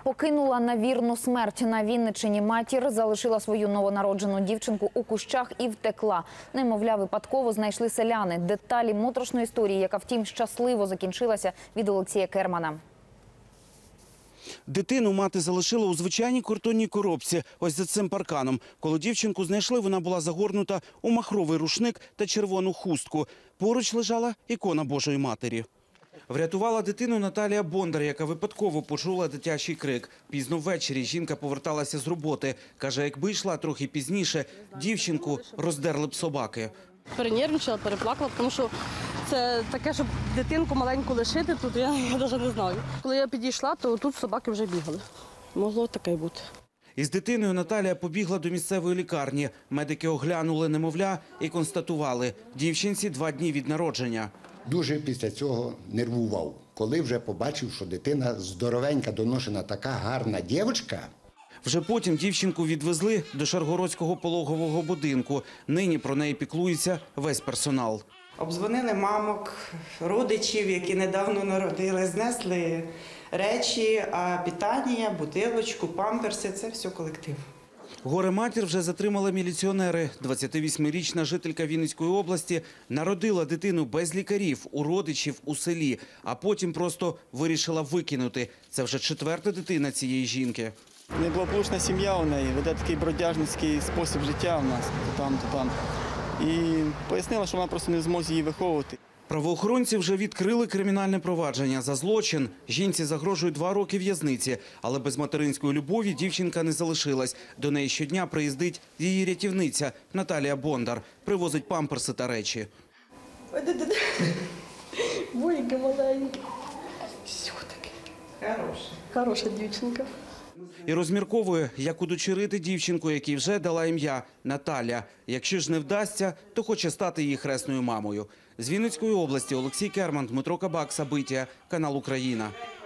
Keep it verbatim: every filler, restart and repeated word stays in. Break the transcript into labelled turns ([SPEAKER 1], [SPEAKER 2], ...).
[SPEAKER 1] Покинула на вірну смерть. На Вінниччині матір залишила свою новонароджену дівчинку у кущах і втекла. Немовля випадково знайшли селяни. Деталі моторошної історії, яка, втім, щасливо закінчилася, від Олексія Кермана.
[SPEAKER 2] Дитину мати залишила у звичайній картонній коробці, ось за цим парканом. Коли дівчинку знайшли, вона була загорнута у махровий рушник та червону хустку. Поруч лежала ікона Божої Матері. Врятувала дитину Наталія Бондар, яка випадково почула дитячий крик. Пізно ввечері жінка поверталася з роботи. Каже, якби йшла трохи пізніше, дівчинку роздерли б собаки.
[SPEAKER 3] Перенервничала, переплакала, тому що це таке, щоб дитинку маленьку лишити тут, я, я навіть не знаю. Коли я підійшла, то тут собаки вже бігали. Могло таке бути.
[SPEAKER 2] Із дитиною Наталія побігла до місцевої лікарні. Медики оглянули немовля і констатували – дівчинці два дні від народження.
[SPEAKER 4] Дуже після цього нервував, коли вже побачив, що дитина здоровенька, доношена, така гарна дівчинка.
[SPEAKER 2] Вже потім дівчинку відвезли до Шаргородського пологового будинку. Нині про неї піклується весь персонал.
[SPEAKER 5] Обдзвонили мамок, родичів, які недавно народили, знесли речі, а питання, бутилочку, памперси – це все колектив.
[SPEAKER 2] Горе-матір вже затримали міліціонери. двадцятивосьмирічна жителька Вінницької області народила дитину без лікарів, у родичів у селі, а потім просто вирішила викинути. Це вже четверта дитина цієї жінки.
[SPEAKER 6] Неблагополучна сім'я у неї, веде такий бродяжницький спосіб життя у нас, то там, то там. І пояснила, що вона просто не в змозі її виховувати.
[SPEAKER 2] Правоохоронці вже відкрили кримінальне провадження за злочин. Жінці загрожує два роки в'язниці. Але без материнської любові дівчинка не залишилась. До неї щодня приїздить її рятівниця Наталія Бондар. Привозить памперси та речі.
[SPEAKER 3] Бойка маленька. Все-таки.
[SPEAKER 5] Хороше.
[SPEAKER 3] Хороша дівчинка.
[SPEAKER 2] І розмірковує, як удочерити дівчинку, якій вже дала ім'я Наталя. Якщо ж не вдасться, то хоче стати її хресною мамою. З Вінницької області Олексій Керман, Дмитро Кабак, Сабиття, канал Україна.